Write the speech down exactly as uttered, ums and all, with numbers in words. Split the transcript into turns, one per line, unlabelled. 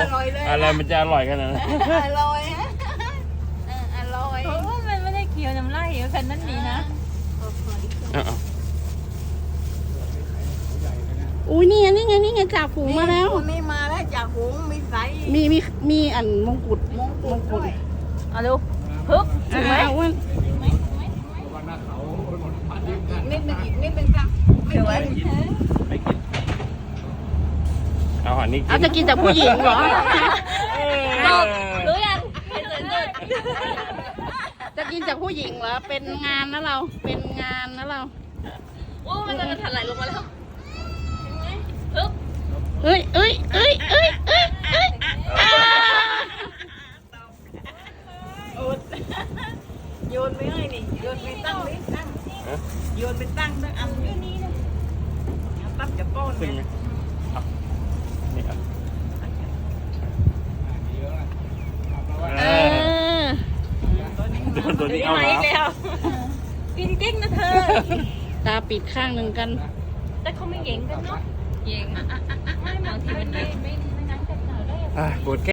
ร่อยเลย
อะไรมันจะอร่อยขนาดนั้น
อร่อยเอออร่อย
เพราะว่ามันไม่ได้เคี้ยวน้ำลายเยอะขนาดนั้นนี่นะ
เอาเอา
อุ้ยนี่ไงนี่ไงนี่ไงจ่าฝูงมาแล้ว
นี่มาแล้วจากหุงมีใส
มีมีมีอันมงกุฎ
มงกุฎด้วย
เอาดูฮึบถู
อ่าก
ไหม
อ้วน
อีกนิดนึงอีกนิดนึงครับไม่ไหว
ไม่กินเอาอันนี้กิน
เอาจะกินจากผู้หญิงเหรอ
เออ
รู้ยังเห็นเลย
จะกินจากผู้หญิงเหรอเป็นงานนะเราเป็นงานนะเรา
โอ้มันจะถลายลงมาแล้วฮึบ
เอ้ยเอ้ยเอ้ยเอ้ยเอ้ยเอ้ยอ่า
โยนไม่ให้นี่โยนไปตั้งนี่ตั้งโยนไปตั้งตั้งอันนี้ตั้งจะป้อน
ซึ่ง
เนี่ย
เอานี่เอา
เอ
เออ
อ
โดนตัวนี้เอา
มา
แล้
อี
ว
กแล้วกินเก่งนะเธอ
ตาปิดข้างหนึ่งกัน
แต่เขาไม่เก่งกันเนาะเก่งไม่บางทีมันไม่ไม่ไม่งั้นจะหนาวได้
อ่ะปวดแ